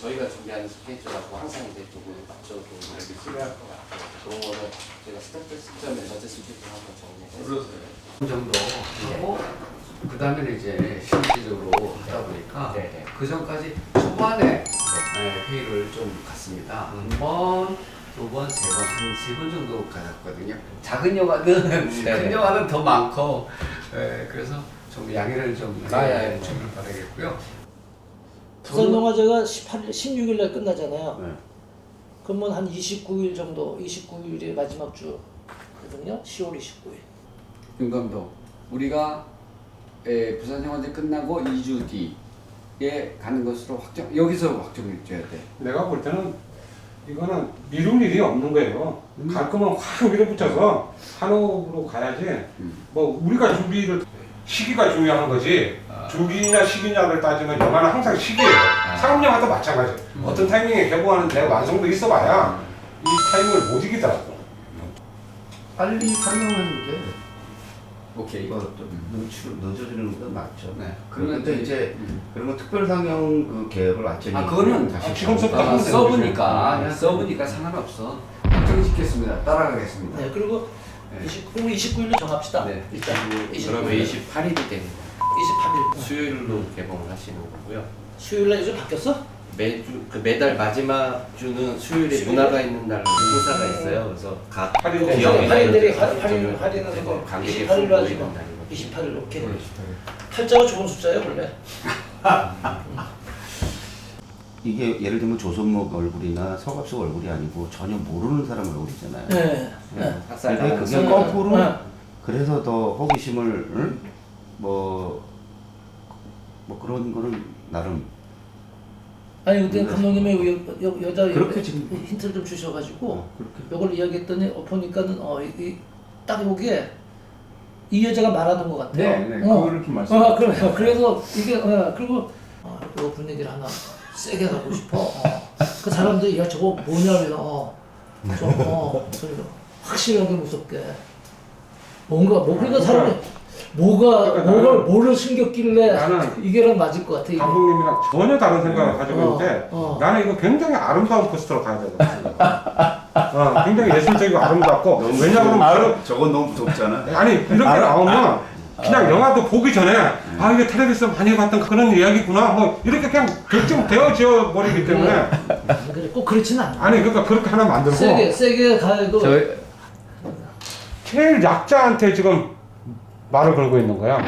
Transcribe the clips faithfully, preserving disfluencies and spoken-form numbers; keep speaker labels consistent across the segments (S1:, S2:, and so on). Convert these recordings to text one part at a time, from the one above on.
S1: 저희가 준비하는 스케줄하고 항상 이제 조금 맞춰도 이렇게 필요할 것 같아요. 그런 거는 제가 스타트 시점에 전체 스케줄 한번 정리해서
S2: 그 정도 하고 그 다음에 이제 실질적으로 하다 보니까
S1: 네네.
S2: 그 전까지 초반에 네, 회의를 좀 갔습니다.
S1: 음.
S2: 한 번, 두 번, 세 번, 한 세 번 정도 가졌거든요. 작은 영화는
S1: 네네.
S2: 큰 영화는 더 많고 네, 그래서 좀 양해를 좀
S1: 아, 예, 예.
S2: 주길 바라겠고요.
S3: 부산영화제가 십팔 일, 십육 일 날 끝나잖아요.
S2: 네.
S3: 그러면 한 이십구 일 정도, 이십구 일이 마지막 주거든요. 시월 이십구 일.
S2: 윤 감독, 우리가 에, 부산영화제 끝나고 이 주 뒤에 가는 것으로 확정, 여기서 확정해 줘야 돼.
S4: 내가 볼 때는 이거는 미룰 일이 없는 거예요.
S2: 음.
S4: 갈 거면 확 밀어붙여서 한옥으로 가야지.
S2: 음.
S4: 뭐 우리가 준비를 시기가 중요한 거지.
S2: 아.
S4: 주기냐 시기냐를 따지면 영화는 항상 시기예요.
S2: 아.
S4: 상업영화도 마찬가지.
S2: 음.
S4: 어떤 타이밍에 개봉하는데 완성도 있어봐야 이 타이밍을 못 이기더라고.
S5: 빨리 상영하는 게
S2: 오케이.
S5: 이거 좀 늦추, 늦어지는 건 맞죠.
S2: 네.
S5: 그런데 이제
S2: 음.
S5: 그런 거 특별 상영 그 계획을 완전히
S2: 아, 그거는
S5: 다시
S4: 아, 지금부터
S2: 아,
S4: 하면 되는
S2: 써보니까
S4: 거죠.
S2: 써보니까 상관없어. 확정시켰습니다. 따라가겠습니다.
S3: 네, 그리고
S2: 네.
S3: 이십, 그럼 이십구 일로 정합시다.
S2: 네.
S3: 일단 이십구
S1: 그러면
S3: 일.
S1: 이십팔 일이 됩니다.
S3: 이십팔 일.
S1: 수요일로 개봉을 하시는 거고요.
S3: 수요일 날 요즘 바뀌었어?
S1: 매주 그 매달 마지막 주는 수요일에
S3: 수요일?
S1: 문화가 있는 날 행사가 있어요. 그래서 각
S4: 할인들이
S1: 기업이나
S3: 할인들이
S1: 이런 데서
S3: 할인
S1: 좀
S3: 할인하는 거
S1: 관객이
S3: 이십팔 일로 하지
S1: 모이는
S3: 뭐.
S1: 날이거든요.
S3: 이십팔 일 오케이.
S2: 네.
S3: 팔자가 좋은 숫자예요 원래.
S5: 이게 예를 들면 조선목 얼굴이나 서갑수 얼굴이 아니고 전혀 모르는 사람 얼굴이잖아요.
S3: 네. 네.
S1: 학살
S5: 근데
S1: 당한
S5: 그게 거꾸로
S3: 네.
S5: 그래서 더 호기심을 응? 뭐, 뭐 그런 거는 나름
S3: 아니 근데 감독님의 여, 여, 여자
S5: 그렇게
S3: 여,
S5: 지금-
S3: 힌트를 좀 주셔가지고
S5: 어, 그렇게
S3: 이걸 이야기했더니 어, 보니까는 어, 이, 이, 딱 보기에 이 여자가 말하는 것 같아요.
S2: 네, 네,
S3: 어.
S2: 그거를 좀 말씀.
S3: 어, 그래요. 그래서 이게 어, 그리고 어, 이거 분위기를 하나 세게 가고 싶어. 어. 그 사람들이 야 저거 뭐냐면 어, 좀 어, 소리로 확실하게 무섭게 뭔가 뭐 그러니까 사람이 뭐가
S4: 그러니까
S3: 뭐를
S4: 나는-
S3: 뭐를 숨겼길래
S4: 나는
S3: 이게랑 맞을 것 같아. 이게.
S4: 감독님이랑 전혀 다른 생각을
S3: 어,
S4: 가지고
S3: 어,
S4: 있는데
S3: 어.
S4: 나는 이거 굉장히 아름다운 포스터로 가야 되거든. 어, 굉장히 예술적이고 아름답고 왜냐하면
S5: 아, 저건 너무 무섭잖아.
S4: 아니 이렇게 나오면 그냥 영화도 보기 전에 아 이게 텔레비에서 많이 봤던 그런 이야기구나 뭐 이렇게 그냥 결정되어져 버리기 때문에
S3: 안 그래 꼭 그렇지는 않아.
S4: 아니 그러니까 그렇게 하나 만들고
S3: 세게 세게 가도
S2: 저희
S4: 제일 약자한테 지금 말을 걸고 있는 거야.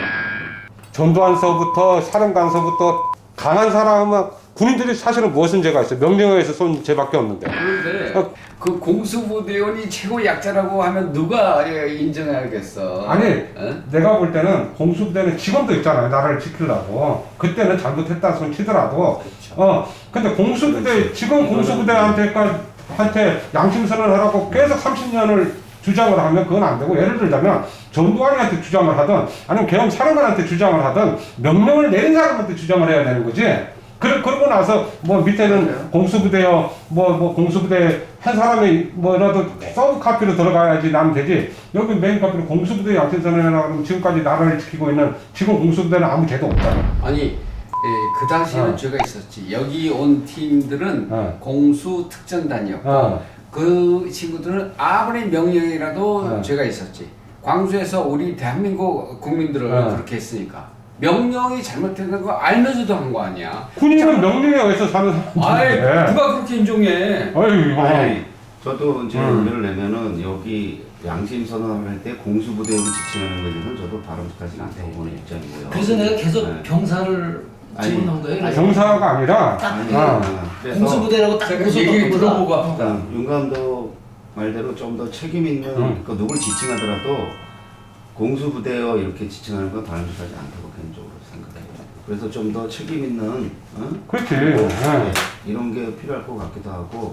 S4: 전두환서부터 사령관서부터 강한 사람은 군인들이 사실은 무엇은 죄가 있어 명령에 의해서 쏜 죄밖에 없는데
S2: 그런데
S4: 어.
S2: 그 공수부대원이 최고 약자라고 하면 누가 예, 인정하겠어?
S4: 아니
S2: 어?
S4: 내가 볼 때는 공수부대는 지금도 있잖아요 나라를 지키려고 그때는 잘못했다 손 치더라도 어 근데 공수부대 지금 공수부대한테까지 한테 양심선언을 하라고 계속 삼십 년을 주장을 하면 그건 안 되고 예를 들자면 전두환이한테 주장을 하든 아니면 계엄 사령관한테 주장을 하든 명령을 내린 사람한테 주장을 해야 되는 거지. 그러, 그러고 나서 뭐 밑에는 공수부대요 뭐 뭐 공수부대 한 사람이 뭐라도 서브 카피로 들어가야지 나면 되지. 여기 메인 카피로 공수부대 양심선언이라고 하면 지금까지 나라를 지키고 있는 지금 공수부대는 아무 죄도 없잖아.
S2: 아니 예, 그 당시에는
S4: 어.
S2: 죄가 있었지. 여기 온 팀들은
S4: 어.
S2: 공수 특전단이었고
S4: 어.
S2: 그 친구들은 아무리 명령이라도
S4: 어.
S2: 죄가 있었지. 광주에서 우리 대한민국 국민들을
S4: 어.
S2: 그렇게 했으니까 명령이 잘못된 거 알면서도 한 거 아니야.
S4: 군인은 명령에 의해서 사는
S2: 아이
S4: 사람인데.
S2: 누가 그렇게 인정해?
S4: 아이
S5: 아니, 저도 이제
S4: 음.
S5: 의견을 내면은 여기 양심 선언할 때 공수부대를 지칭하는 것에 대해서는 저도 바람직하지 않다고 보는 입장이고요.
S3: 그래서 내가 계속
S5: 네.
S3: 병사를
S5: 아니,
S3: 집어넣은 거예요. 그래서
S4: 병사가 아니라
S3: 딱
S5: 아니,
S3: 이게
S4: 아.
S5: 그래서
S3: 공수부대라고 딱
S2: 제가
S3: 웃었던
S2: 얘기
S3: 것보다
S2: 들어보고 아프다.
S5: 어, 윤 감독 말대로 좀 더 책임 있는
S4: 음.
S5: 그 누굴 지칭하더라도 공수부대여 이렇게 지칭하는 건 바람직하지 않다고 개인적으로 생각해요. 그래서 좀 더 책임 있는 어?
S4: 그렇지.
S5: 뭐,
S4: 네.
S5: 이런 게 필요할 것 같기도 하고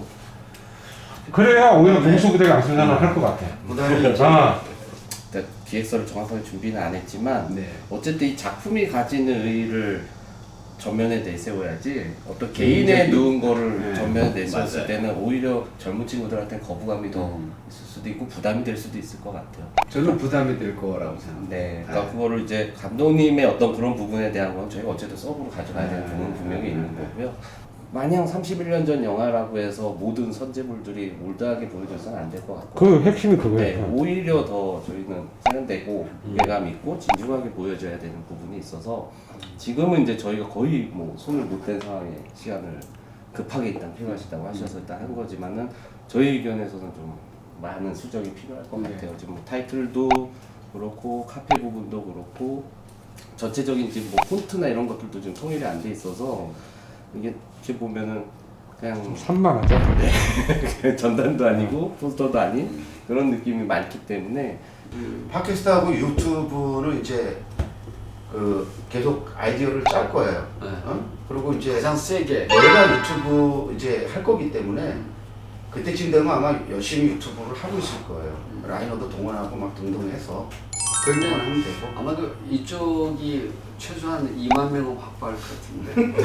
S4: 그래야 오히려
S5: 네.
S4: 공수부대가 양심선언을 할 것 같아.
S5: 그다음에 이제
S4: 아.
S1: 일단 기획서를 정확하게 준비는 안 했지만
S2: 네.
S1: 어쨌든 이 작품이 가지는 의의를 전면에 내세워야지 어떤 개인의
S2: 굉장히-
S1: 누운 거를
S2: 네.
S1: 전면에 내세웠을
S2: 맞아요.
S1: 때는 오히려 젊은 친구들한테 거부감이 더
S2: 음.
S1: 있을 수도 있고 부담이 될 수도 있을 것 같아요.
S2: 저는 부담이 될 거라고 생각합니다.
S1: 네, 그러니까 그거를 이제 감독님의 어떤 그런 부분에 대한 건 저희가 어쨌든 서브로 가져가야 되는
S2: 네.
S1: 부분은 분명히 있는 거고요. 마냥 삼십일 년 전 영화라고 해서 모든 선제물들이 올드하게 보여져서는 안 될 것 같고.
S4: 그 핵심이
S1: 네,
S4: 그거예요.
S1: 오히려 더 저희는 세련되고 무게감 있고 진중하게 보여져야 되는 부분이 있어서 지금은 이제 저희가 거의 뭐 손을 못 댄 상황에 시간을 급하게 일단 필요하시다고 하셔서 일단 한 거지만은 저희 의견에서는 좀 많은 수정이 필요할 것
S2: 네.
S1: 같아요. 지금 뭐 타이틀도 그렇고 카페 부분도 그렇고 전체적인 지금 뭐 폰트나 이런 것들도 지금 통일이 안 돼 있어서 이게 이렇게 보면은 그냥
S4: 산만하죠.
S1: 전단도 아니고 포스터도 아닌 그런 느낌이 많기 때문에
S5: 팟캐스트하고 유튜브는 이제 그 계속 아이디어를 짤 거예요.
S2: 네.
S5: 어? 그리고 이제
S2: 가장 세게.
S5: 내가 유튜브 이제 할 거기 때문에 그때쯤 되면 아마 열심히 유튜브를 하고 있을 거예요. 라이너도 동원하고 막 등등 해서
S2: 그러면
S5: 하면 되고.
S2: 아마도 이쪽이 최소한 이만 명은 확보할 것 같은데.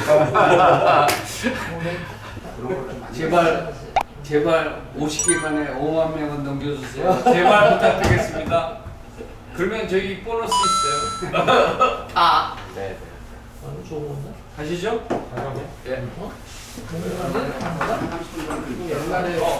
S5: 그런 걸좀 많이
S2: 제발 제발 오십 개간에 오만 명은 넘겨주세요. 제발 부탁드리겠습니다. 그러면 저희 보너스 있어요. 다
S1: 네.
S3: 아주 좋은 건데.
S2: 가시죠. 예.
S3: 어? 뭔가
S2: 옛날에